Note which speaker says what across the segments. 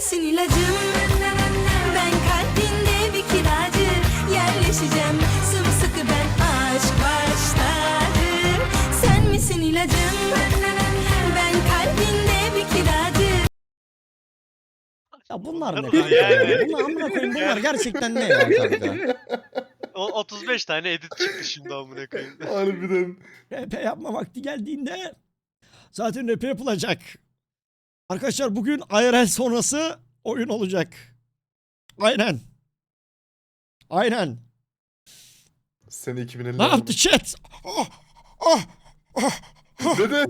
Speaker 1: misin ilacım? Ben kalbinde bir kiracı, yerleşeceğim sımsıkı ben aşk başladı. Sen misin ilacım? Ben kalbinde bir kiracı.
Speaker 2: Ya bunlar ne
Speaker 3: Bunlar
Speaker 2: kanka
Speaker 3: yani.
Speaker 2: ya? Bunlar amına koyayım, bunlar gerçekten ne ya kanka?
Speaker 3: O 35 tane edit çıktı şimdi amına koyayım.
Speaker 4: Harbiden.
Speaker 2: RP yapma vakti geldiğinde zaten RP yapılacak. Arkadaşlar bugün IRL sonrası oyun olacak. Aynen. Aynen.
Speaker 4: Sene 2050.
Speaker 2: Ne yaptı chat? Oh, oh, oh.
Speaker 4: Dede.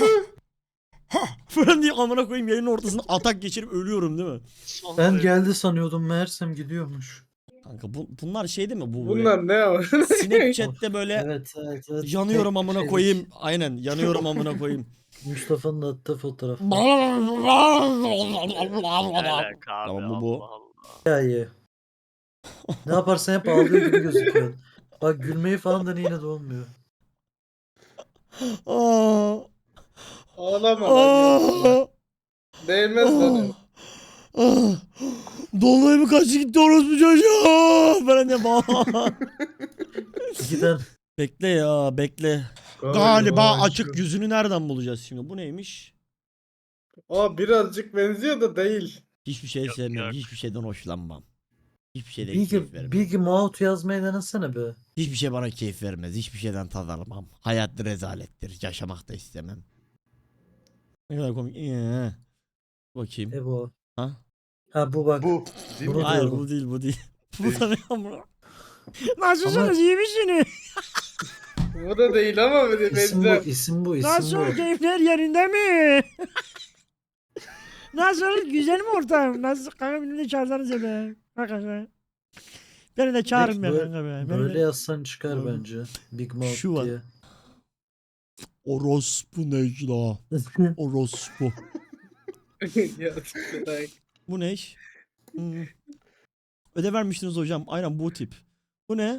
Speaker 2: Falan diye amına koyayım yayının ortasında atak geçirip ölüyorum değil mi?
Speaker 3: Son
Speaker 5: Ben
Speaker 3: derece-
Speaker 5: geldi sanıyordum meğersem gidiyormuş.
Speaker 2: Kanka bunlar şey değil mi? Bu böyle
Speaker 6: Bunlar ne ama?
Speaker 2: Snapchat'te böyle
Speaker 5: Evet.
Speaker 2: yanıyorum
Speaker 5: Tek
Speaker 2: amına
Speaker 5: şeylik.
Speaker 2: koyayım. Aynen yanıyorum amına koyayım.
Speaker 5: Mustafa'nın attığı fotoğraf.
Speaker 3: Alaka abi,
Speaker 2: Tamam, bu.
Speaker 3: Allah Allah.
Speaker 5: Hikaye. Ne yaparsan hep ağlıyor gibi gözüküyor. Bak gülmeyi falan da yine de olmuyor.
Speaker 2: Aa,
Speaker 6: Ağlama lan.
Speaker 2: aa,
Speaker 6: Değmez lan.
Speaker 2: aa. Dolunay mı kaçtı gitti orospu çocuğu? Ben de
Speaker 5: İki tane
Speaker 2: Bekle ya bekle. Galiba açık yüzünü nereden bulacağız şimdi? Bu neymiş?
Speaker 6: Aa birazcık benziyor da değil.
Speaker 2: Hiçbir şey
Speaker 3: Yok,
Speaker 2: sevmem.
Speaker 3: yok.
Speaker 2: Hiçbir şeyden hoşlanmam. Hiçbir şeyden keyif vermem.
Speaker 5: Bilgi Maut yazmayı denesene be.
Speaker 2: Hiçbir şey bana keyif vermez. Hiçbir şeyden tad almam. Hayat rezalettir. Yaşamak da istemem. Ne kadar komik. Bakayım.
Speaker 5: Bu.
Speaker 2: Ha?
Speaker 5: Ha bu bak.
Speaker 4: Bu. Değil mi?
Speaker 5: Bunu
Speaker 2: Hayır
Speaker 5: diyorum.
Speaker 2: bu değil bu değil. Bu
Speaker 4: Değil.
Speaker 2: da ne amına? Nasılsınız iyi misiniz?
Speaker 6: Bu da değil ama bir de
Speaker 5: İsim bu,
Speaker 6: benzer.
Speaker 5: isim bu, isim
Speaker 2: Nasıl
Speaker 5: bu.
Speaker 2: keyifler yerinde mi? Nasıl güzel mi ortam? Nasıl kanka beni de çağırsanız ya be. Arkadaşlar. Beni de çağırın be
Speaker 5: Böyle-
Speaker 2: kanka be. Beni
Speaker 5: Böyle
Speaker 2: de...
Speaker 5: yazsan çıkar
Speaker 2: Böyle.
Speaker 5: bence. Big Mouth
Speaker 2: Şu var.
Speaker 5: diye.
Speaker 2: Orospu Necla. Orospu.
Speaker 6: Gerçekten.
Speaker 2: Bu ne iş? Ödev vermiştiniz hocam. Aynen bu tip. Bu ne?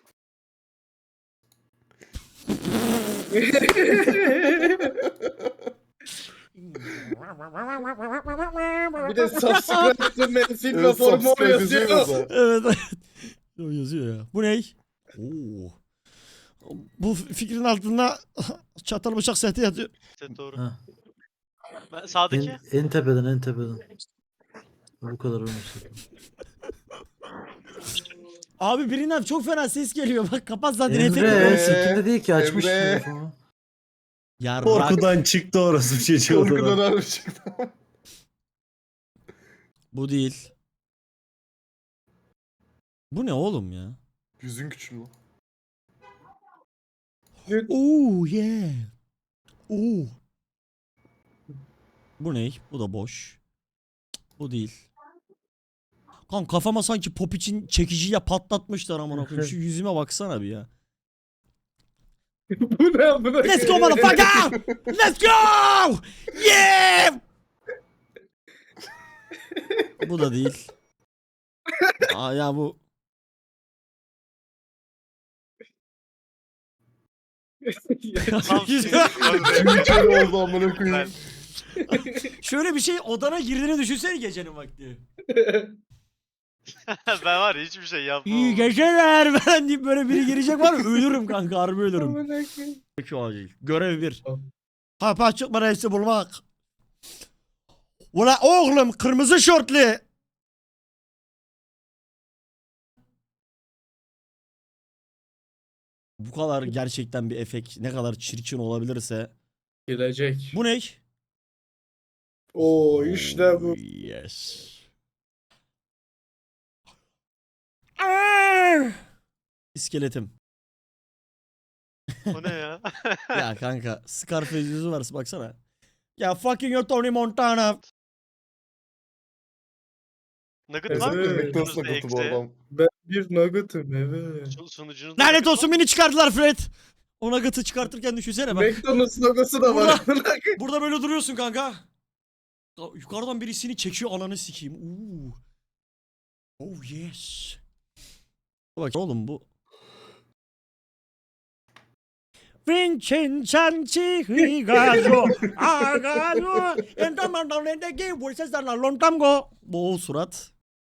Speaker 6: Bir de subscribe to Menfil ve
Speaker 4: Evet,
Speaker 6: formu
Speaker 4: subscribe
Speaker 6: yazıyor.
Speaker 4: yazıyor mesela.
Speaker 2: Evet evet. O yazıyor ya. Bu ne? Oo. Bu fikrin altında çatal bıçak seti yatıyor.
Speaker 3: İşte doğru.
Speaker 5: Ha.
Speaker 3: Ben sağdaki.
Speaker 5: En tepeden, en tepeden. Bu kadar olmuş.
Speaker 2: Abi birinden çok fena ses geliyor. Bak kapat zaten
Speaker 5: Emre,
Speaker 2: efekti.
Speaker 5: sekinde değil ki açmış
Speaker 4: Emre.
Speaker 5: telefonu.
Speaker 2: Ya
Speaker 7: Korkudan çıktı orası çocuğu.
Speaker 4: Korkudan harbi çıktı.
Speaker 2: bu değil. Bu ne oğlum ya?
Speaker 4: Yüzün küçülüyor.
Speaker 2: Oo yeah. Oo. Bu ne? Bu da boş. Bu değil. Kan kafama sanki pop için çekiciyle patlatmışlar amına koyayım. Şu yüzüme baksana bir ya.
Speaker 6: Bu ne amına
Speaker 2: Let's go motherfucker! Let's go! Yeah! Bu da değil. Aa ya bu
Speaker 3: Tam
Speaker 4: Şöyle oldu amına koyayım.
Speaker 2: şöyle bir şey odana girdiğini düşünsene gecenin vakti.
Speaker 3: ben var ya hiçbir şey yapmam.
Speaker 2: İyi geceler ben deyip böyle biri girecek var ya ölürüm kanka harbi ölürüm.
Speaker 6: Amına koyayım.
Speaker 2: Peki acil. Görev 1.
Speaker 6: Tamam.
Speaker 2: Kapı açık mı reisi bulmak? Ula oğlum kırmızı şortlu. Bu kadar gerçekten bir efekt ne kadar çirkin olabilirse.
Speaker 6: Gelecek.
Speaker 2: Bu ne?
Speaker 6: Oo işte bu.
Speaker 2: Yes. Arr! İskeletim.
Speaker 3: O ne ya?
Speaker 2: Ya kanka Scarface yüzü varsa baksana. Ya fucking your Tony Montana.
Speaker 3: Nugget var mı?
Speaker 6: Evet.
Speaker 4: McDonald's
Speaker 3: Önümüzde
Speaker 4: nakıtı bu
Speaker 3: eksi.
Speaker 4: adam.
Speaker 6: Ben bir nugget'ım evet.
Speaker 3: Sunucunun
Speaker 2: Lanet olsun beni çıkardılar Fred. Ona gıtı çıkartırken düşünsene bak.
Speaker 6: McDonald's logosu da var. amına koyayım.
Speaker 2: Burada böyle duruyorsun kanka. Ya yukarıdan birisini çekiyor ananı sikeyim. Oo. Oh yes. Bak oğlum bu. Vincin Chanchi Higajo Agajo Endamandalen'deki bu seslerle lontamgo. Boğul surat.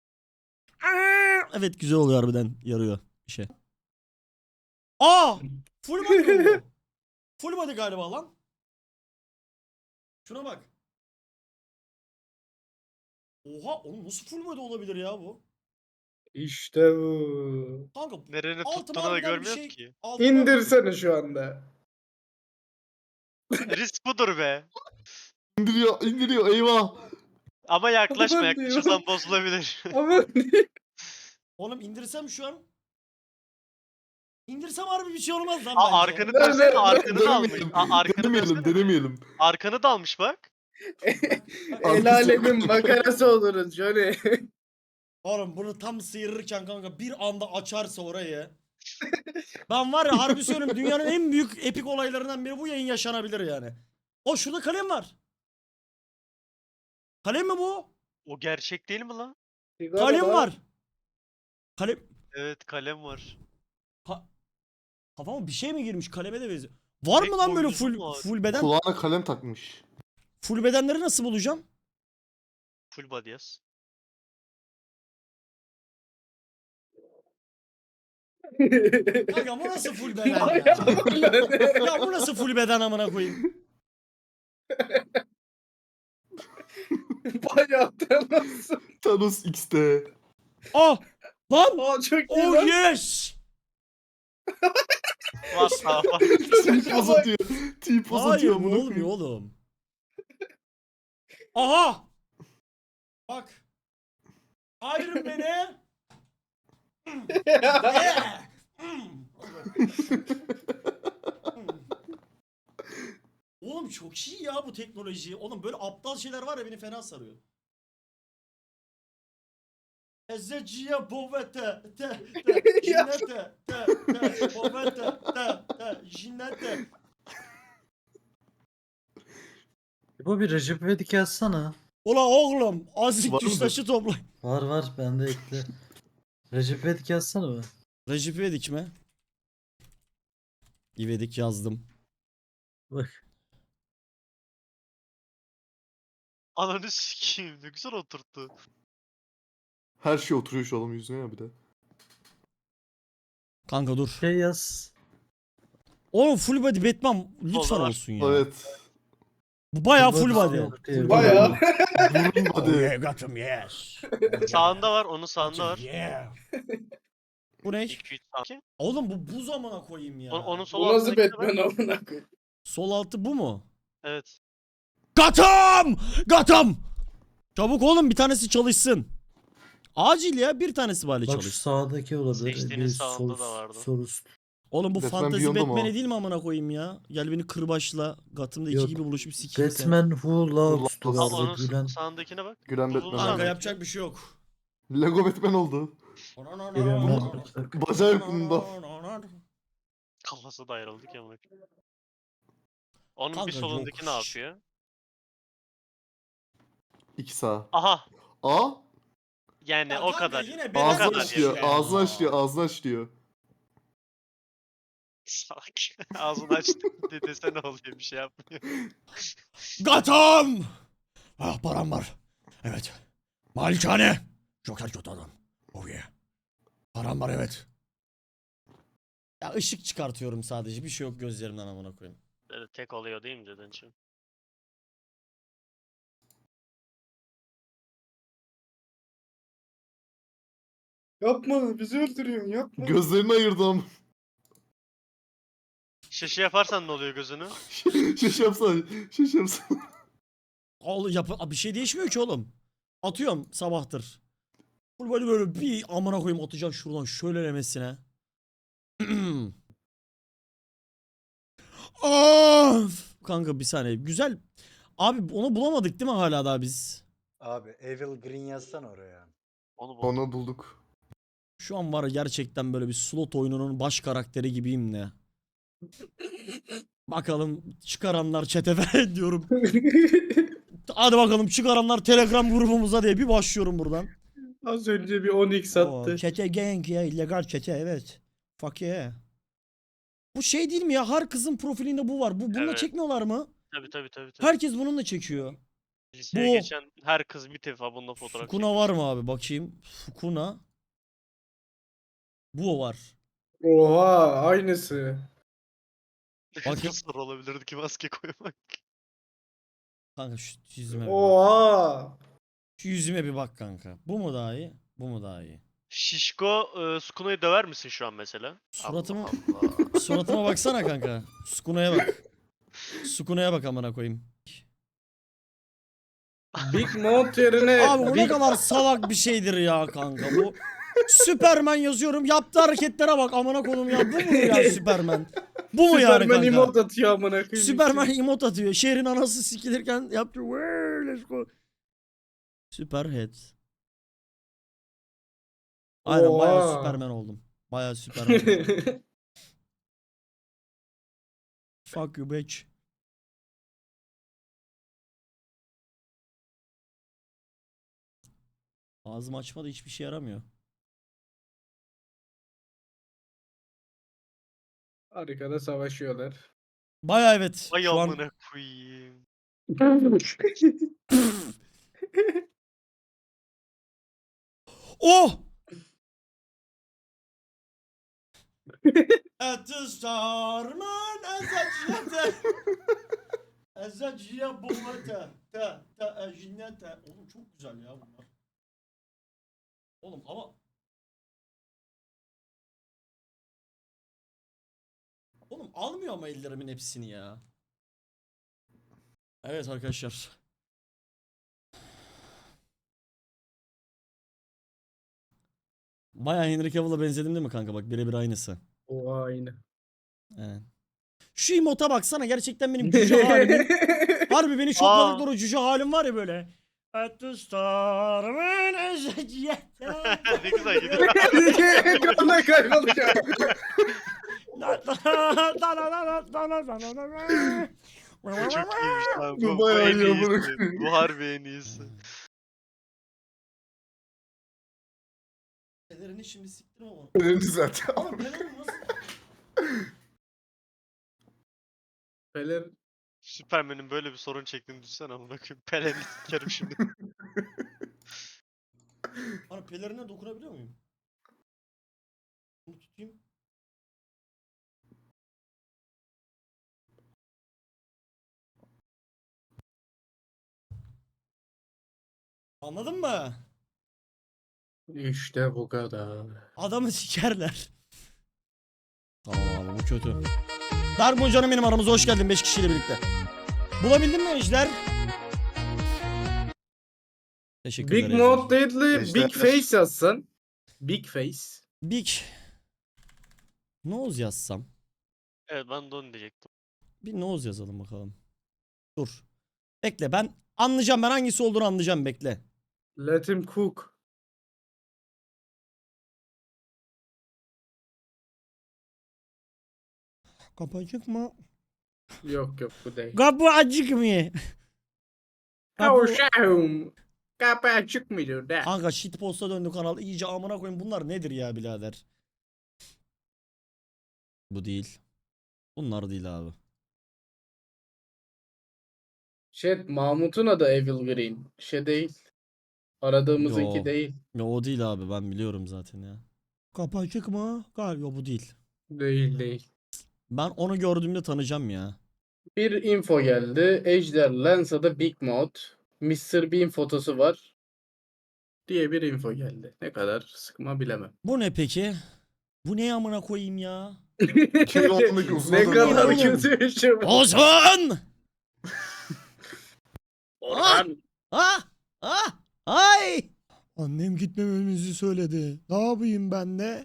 Speaker 2: Evet güzel oluyor harbiden yarıyor bir şey. Aa! Full body bu. Full body galiba lan. Şuna bak. Oha oğlum nasıl full body olabilir ya bu?
Speaker 6: İşte bu.
Speaker 2: Kanka
Speaker 3: Nereni
Speaker 2: altıma
Speaker 3: tuttuğunu da
Speaker 2: harbiden bir
Speaker 3: görmüyoruz
Speaker 2: şey-
Speaker 3: ki.
Speaker 2: altıma-
Speaker 6: İndirsene şu anda.
Speaker 3: Risk budur be.
Speaker 4: İndiriyor eyvah.
Speaker 3: Ama yaklaşma,
Speaker 6: Aman
Speaker 3: yaklaşırsan bozulabilir.
Speaker 6: Ama
Speaker 2: Oğlum indirsem şu an. İndirsem harbi bir şey olmaz lan
Speaker 3: Aa,
Speaker 2: bence.
Speaker 3: arkanı dönsene, arkanı da almış.
Speaker 4: Denemeyelim.
Speaker 3: Arkanı
Speaker 4: Denemeyelim.
Speaker 3: dönsene.
Speaker 4: Denemeyelim.
Speaker 3: Arkanı da almış bak.
Speaker 6: el alemin makarası oluruz Johnny.
Speaker 2: Oğlum bunu tam sıyırırken kanka bir anda açarsa orayı. Ben var ya harbi söylüyorum dünyanın en büyük epik olaylarından biri bu yayın yaşanabilir yani. O şurada kalem var. Kalem mi bu?
Speaker 3: O gerçek değil mi lan?
Speaker 2: Kalem var. Kalem.
Speaker 3: Evet, kalem var.
Speaker 2: Kafama bir şey mi girmiş kaleme de benziyor. Var
Speaker 3: Tek
Speaker 2: mı lan böyle
Speaker 3: boynuzu mu var?
Speaker 2: full beden?
Speaker 4: Kulağına kalem takmış.
Speaker 2: Full bedenleri nasıl bulacağım?
Speaker 3: Full body yaz.
Speaker 2: Kanka bu nasıl full beden ya? Ya bu nasıl full beden amına koyayım?
Speaker 6: Bayağı nasıl?
Speaker 4: Thanos X'te.
Speaker 2: Ah! Lan!
Speaker 6: Aa çok iyi
Speaker 2: Oh
Speaker 6: lan.
Speaker 2: yes!
Speaker 3: Var sağ var.
Speaker 4: T-poz atıyor. T-poz
Speaker 2: Hayır
Speaker 4: atıyor.
Speaker 2: bu
Speaker 4: amına
Speaker 2: olmuyor
Speaker 4: koyayım.
Speaker 2: oğlum. Aha! Bak. Iron Man'e. Yeah! Oğlum çok iyi ya bu teknoloji. Oğlum böyle aptal şeyler var ya beni fena sarıyor. Ezeciye bovete te jinete te bovete te jinete.
Speaker 5: Bu bir Recep İvedik yazsana.
Speaker 2: Ula oğlum azıcık
Speaker 4: Var mı?
Speaker 2: taşı topla.
Speaker 5: Var bende ekle. Recep İvedik yazsana be.
Speaker 2: Recep İvedik mi? İvedik yazdım.
Speaker 5: Bak.
Speaker 3: Ananı sikeyim, ne güzel oturttu.
Speaker 4: Her şey oturuyor şu adamın yüzüne ya bir de.
Speaker 2: Kanka dur.
Speaker 5: Şey yaz.
Speaker 2: Oğlum full body Batman lütfen
Speaker 3: Olur.
Speaker 2: olsun ya.
Speaker 4: Evet.
Speaker 2: Bu bayağı
Speaker 5: Full
Speaker 2: full
Speaker 5: body
Speaker 2: body.
Speaker 5: yok diye.
Speaker 6: Bayağı.
Speaker 4: Burun
Speaker 2: Oh
Speaker 4: hadi.
Speaker 2: yeah, got him, yes.
Speaker 3: Sağında var, onun sağında var.
Speaker 2: Yeah. Bu ne?
Speaker 3: 2-3 sanki.
Speaker 2: Oğlum bu buz amına koyayım ya.
Speaker 3: Onun sol
Speaker 6: Bu nasıl
Speaker 3: altındaki de
Speaker 6: Batman
Speaker 3: var.
Speaker 6: amına koyayım?
Speaker 2: Sol altı bu mu?
Speaker 3: Evet.
Speaker 2: Gotham! Gotham! Çabuk oğlum bir tanesi çalışsın. Acil ya bir tanesi bari
Speaker 5: Bak şu
Speaker 2: çalışsın.
Speaker 5: sağdaki olabilir.
Speaker 3: Seçtiğinin
Speaker 5: Bir
Speaker 3: sağında
Speaker 5: sol,
Speaker 3: da vardı.
Speaker 5: sol üst.
Speaker 2: Oğlum bu
Speaker 4: Batman
Speaker 2: fantezi
Speaker 4: Beyond'da mı
Speaker 2: Batman'i
Speaker 4: o?
Speaker 2: değil mi amına koyayım ya? Gel beni kırbaçla. Gotham'da iki
Speaker 5: Yok.
Speaker 2: gibi buluşup sikeyim seni.
Speaker 5: Batman Who Loves to
Speaker 4: Al,
Speaker 3: Al
Speaker 5: vardı.
Speaker 3: onun
Speaker 5: Gülen.
Speaker 3: sağındakine bak.
Speaker 4: Gülen
Speaker 3: Uzun
Speaker 4: Batman.
Speaker 2: Kanka
Speaker 3: sağındaki.
Speaker 2: yapacak bir şey yok.
Speaker 4: Lego Batman oldu.
Speaker 5: Gülen ben.
Speaker 4: Bacağı yok bunda.
Speaker 3: Kafası da ayrıldı ki amına koyayım. Onun
Speaker 2: Kanka
Speaker 3: bir solundaki ne
Speaker 2: yok.
Speaker 3: yapıyor?
Speaker 4: 2 sağ.
Speaker 3: Aha.
Speaker 4: A.
Speaker 3: Yani
Speaker 2: Ya
Speaker 3: o
Speaker 2: kanka
Speaker 3: kadar.
Speaker 2: yine
Speaker 3: O
Speaker 2: beden
Speaker 4: Ağzını
Speaker 3: kadar
Speaker 4: açlıyor.
Speaker 2: ya.
Speaker 4: Ağzını açlıyor. Ağzını açlıyor.
Speaker 3: Salak. Ağzını açtı desene oluyor, bir şey yapmıyor.
Speaker 2: Gotham! Ah param var. Evet. Malikane. Joker kötü adam. Oh yeah. Param var evet. Ya ışık çıkartıyorum sadece. Bir şey yok gözlerimden amına koyayım.
Speaker 3: Böyle tek oluyor değil mi Cadıncığım?
Speaker 6: Yapma bizi öldürüyorsun yapma.
Speaker 4: Gözlerini ayırdım.
Speaker 3: Şişe yaparsan ne oluyor gözünü?
Speaker 4: Şiş yapsana. Şiş yapsana.
Speaker 2: Bir şey değişmiyor ki oğlum. Atıyorum sabahtır. Böyle bir amına koyayım atacağım şuradan şöylelemesine. Of! Kanka bir saniye. Güzel. Abi onu bulamadık değil mi hala daha biz?
Speaker 8: Abi Evil Green yazsana oraya.
Speaker 3: Onu bul.
Speaker 4: Onu bulduk.
Speaker 2: Şu an var ya gerçekten böyle bir slot oyununun baş karakteri gibiyim ne. Bakalım çıkaranlar çete diyorum. Hadi bakalım çıkaranlar Telegram grubumuza diye bir başlıyorum buradan.
Speaker 6: Az önce bir 10x attı.
Speaker 2: Çete gang ya illegal çete evet. Fuck yeah. Bu şey değil mi ya? Her kızın profilinde bu var. Bununla
Speaker 3: Evet.
Speaker 2: çekmiyorlar mı?
Speaker 3: Tabii.
Speaker 2: Herkes bununla çekiyor.
Speaker 3: Liseye
Speaker 2: Bu-
Speaker 3: geçen her kız bir defa bununla fotoğraf
Speaker 2: Fukuna var mı abi? Bakayım. Fukuna. Bu var.
Speaker 6: Oha aynısı.
Speaker 2: Bakayım.
Speaker 3: Nasıl olabilirdi ki maske koymak?
Speaker 2: Kanka şu yüzüme bir bak.
Speaker 6: Oha.
Speaker 2: Şu yüzüme bir bak kanka. Bu mu daha iyi? Bu mu daha iyi?
Speaker 3: Şişko Sukuna'yı döver misin şu an mesela?
Speaker 2: Suratımı-
Speaker 3: Allah Allah.
Speaker 2: Suratıma baksana kanka. Sukuna'ya bak. Sukuna'ya bak amına koyayım.
Speaker 6: Big Mouth yerine
Speaker 2: Abi bu ne kadar salak bir şeydir ya kanka bu. Süperman yazıyorum. Yaptığı hareketlere bak amına koyayım ya. Bu mu ya Süperman? Bu mu yani
Speaker 6: Superman
Speaker 2: kanka?
Speaker 6: emote atıyor amına koyayım.
Speaker 2: Süperman emot atıyor. Şehrin anası sikilirken yaptı. "Wee, let's go." Superhead. Aynen bayağı
Speaker 6: Oha.
Speaker 2: Süperman oldum. Bayağı Süperman oldum. Fuck you bitch. Ağzımı açma da hiçbir şey yaramıyor.
Speaker 6: Arkada savaşıyorlar.
Speaker 2: Bayağı evet.
Speaker 3: Vay
Speaker 2: Şu an
Speaker 3: amına koyayım.
Speaker 2: oh! At the star man ezaciyete. Ezaciye boğata. Ta ejinete. Oğlum çok güzel ya bunlar. Oğlum ama oğlum almıyor ama ellerimin hepsini ya. Evet arkadaşlar. Bayağı Henry Cavill'a benzedim değil mi kanka? Bak birebir aynısı.
Speaker 6: Oha aynı.
Speaker 2: Evet. Şu emota baksana gerçekten benim cüce halimin. Harbi beni şokladıkları o cüce halim var ya böyle. At the star man ezaciyete.
Speaker 3: Ne güzel gidiyor.
Speaker 6: Götüne kaybolacak.
Speaker 3: Bu çok iyiymiş lan.
Speaker 4: Bu
Speaker 3: Bu
Speaker 4: bayağı
Speaker 3: en
Speaker 4: iyi amına
Speaker 3: iyisi.
Speaker 4: koyayım.
Speaker 3: Bu harbi en iyisi.
Speaker 2: Pelerini şimdi siktir ama.
Speaker 4: Önemli zaten.
Speaker 2: Ama pelerin nasıl?
Speaker 6: Fener
Speaker 3: Superman'in böyle bir sorun çektiğini düşünsene amına koyayım. Pelen'i sikerim şimdi.
Speaker 2: Hani pelerine dokunabiliyor muyum? Bunu tutayım. Anladın mı?
Speaker 6: işte bu kadar.
Speaker 2: Adamı sikerler. Tamam abi bu kötü. Dark canım benim aramıza hoş geldin 5 kişiyle birlikte. Bulabildin mi Ejder? Teşekkürler
Speaker 6: Big
Speaker 2: Ejder.
Speaker 6: Mouth değil de
Speaker 4: Ejder.
Speaker 6: Big Face yazsan. Big Face.
Speaker 2: Big. Nose yazsam.
Speaker 3: Evet ben de onu diyecektim.
Speaker 2: Bir nose yazalım bakalım. Dur. Bekle ben anlayacağım, ben hangisi olduğunu anlayacağım, bekle.
Speaker 6: Let him cook.
Speaker 2: Kapı açık mı?
Speaker 6: Yok yok bu değil.
Speaker 2: Kapı açık mı?
Speaker 6: Kavuşağım. Kapı açık mıydı da?
Speaker 2: Kanka shitpost'a döndü kanal. İyice amına koyayım, bunlar nedir ya birader? Bu değil. Bunlar değil abi.
Speaker 6: Mahmut'un adı Evil Green. Değil. Aradığımızınki
Speaker 2: Yo.
Speaker 6: değil.
Speaker 2: Ya o değil abi, ben biliyorum zaten ya. Kapı açık mı? Galiba bu değil.
Speaker 6: Değil.
Speaker 2: Ben onu gördüğümde tanıyacağım ya.
Speaker 6: Bir info geldi. Ejder Lansa'da Big Mouth. Mr. Bean fotosu var. Diye bir info geldi. Ne kadar sıkma bilemem.
Speaker 2: Bu ne peki? Bu ne amına koyayım ya?
Speaker 4: 2010'daki uzun
Speaker 6: Ne
Speaker 4: adam
Speaker 6: kadar
Speaker 2: oğlum.
Speaker 6: kötü bir şey bu.
Speaker 2: Ozan!
Speaker 6: Orhan.
Speaker 2: Ah! Ah! Ay! Annem gitmememizi söyledi. Ne yapayım ben de?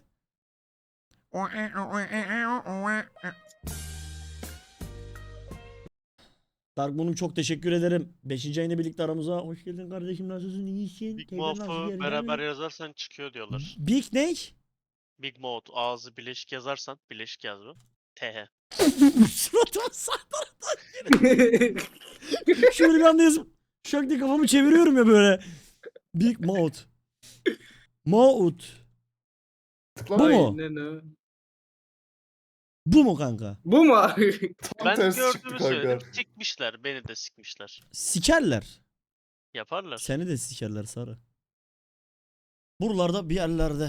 Speaker 2: Darkmoon'um çok teşekkür ederim. 5. ayında birlikte aramıza. Hoş geldin kardeşim, nasılsın? İyisin.
Speaker 3: Big
Speaker 2: Teyzen nasıl
Speaker 3: Mouth'u
Speaker 2: yerinde
Speaker 3: beraber
Speaker 2: mi?
Speaker 3: yazarsan çıkıyor diyorlar.
Speaker 2: Big ne?
Speaker 3: Big Mouth ağzı bileşik yazarsan bileşik yaz bu. TH.
Speaker 2: Suratıma sağ taraftan geri. Şöyle bir anda yazıp şak diye kafamı çeviriyorum ya böyle. Big Mouth. Mouth. Bu mu?
Speaker 6: Aynen o.
Speaker 2: Bu mu kanka?
Speaker 6: Bu mu?
Speaker 4: Tam
Speaker 3: Ben
Speaker 4: tersi çıktı
Speaker 3: gördüğümü
Speaker 4: kanka.
Speaker 3: söyledim. Sikmişler. Beni de sikmişler.
Speaker 2: Sikerler.
Speaker 3: Yaparlar.
Speaker 2: Seni de sikerler Sarı. Buralarda bir yerlerde.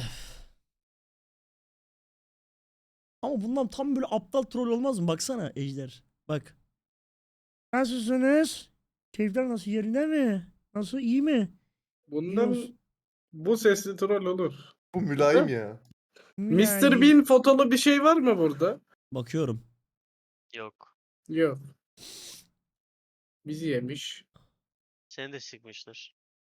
Speaker 2: Ama bundan tam böyle aptal troll olmaz mı? Baksana Ejder. Bak. Nasılsınız? Keyifler nasıl, yerinde mi? Nasıl, iyi mi?
Speaker 6: Bundan bu sesli troll olur.
Speaker 4: Bu mülayim ya.
Speaker 6: Mr. Bean fotolu bir şey var mı burada?
Speaker 2: Bakıyorum.
Speaker 3: Yok.
Speaker 6: Yok. Bizi yemiş.
Speaker 3: Seni de sikmişler.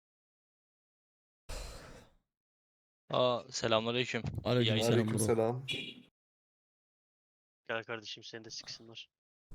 Speaker 9: Selamünaleyküm.
Speaker 2: Aleykümselam bro.
Speaker 4: Aleykümselam.
Speaker 3: Gel kardeşim seni de siksinler.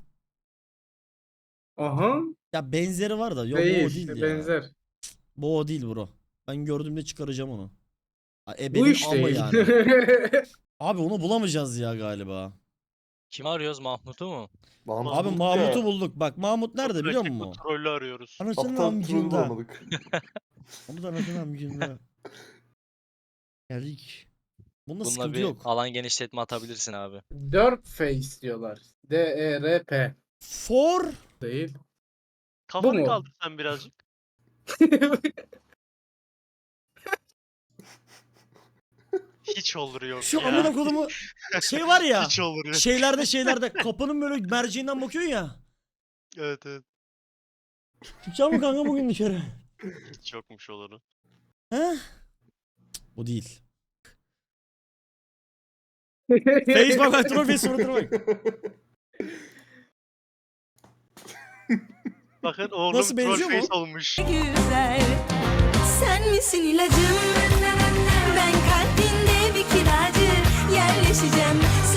Speaker 6: Aha.
Speaker 2: Ya benzeri var da. Yok bu o
Speaker 6: Değil.
Speaker 2: değil ya.
Speaker 6: Benzer.
Speaker 2: Bu o değil bro. Ben gördüğümde çıkaracağım onu.
Speaker 6: Bu
Speaker 2: Benim
Speaker 6: iş
Speaker 2: ama
Speaker 6: değil.
Speaker 2: yani. Abi onu bulamayacağız ya galiba.
Speaker 9: Kimi arıyoruz? Mahmut'u mu?
Speaker 4: Mahmut
Speaker 2: Abi
Speaker 4: bulduk
Speaker 2: Mahmut'u
Speaker 4: ya.
Speaker 2: bulduk. Bak Mahmut nerede biliyor
Speaker 3: Rakip bu
Speaker 2: musun?
Speaker 3: trollü arıyoruz.
Speaker 2: Anasının
Speaker 4: Aptal troll
Speaker 2: amcında.
Speaker 4: bulamadık.
Speaker 2: Mahmut anasının amcında. Geldik. Bunda
Speaker 9: Bununla
Speaker 2: sıkıntı
Speaker 9: bir
Speaker 2: yok.
Speaker 9: alan genişletme atabilirsin abi.
Speaker 6: Derp face diyorlar. D-E-R-P.
Speaker 2: For
Speaker 6: Değil.
Speaker 3: Kafanı
Speaker 6: mu?
Speaker 3: kaldır sen birazcık. Hiç olur yok
Speaker 2: şu
Speaker 3: ya.
Speaker 2: amına kodumu şey var ya.
Speaker 3: Hiç olur yok.
Speaker 2: Şeylerde kapının böyle merceğinden bakıyorsun ya.
Speaker 3: Evet evet.
Speaker 2: Çıkacak mı kanka bugün dışarı?
Speaker 3: Hiç yokmuş oluru.
Speaker 2: He? Bu değil. Face bak troll suratına bak.
Speaker 3: Bakın oğlum
Speaker 2: Nasıl benziyor
Speaker 3: troll
Speaker 2: mu?
Speaker 3: face olmuş.
Speaker 1: güzel. Sen misin ilacım? Ben kalbinde bir kiracı yerleşeceğim.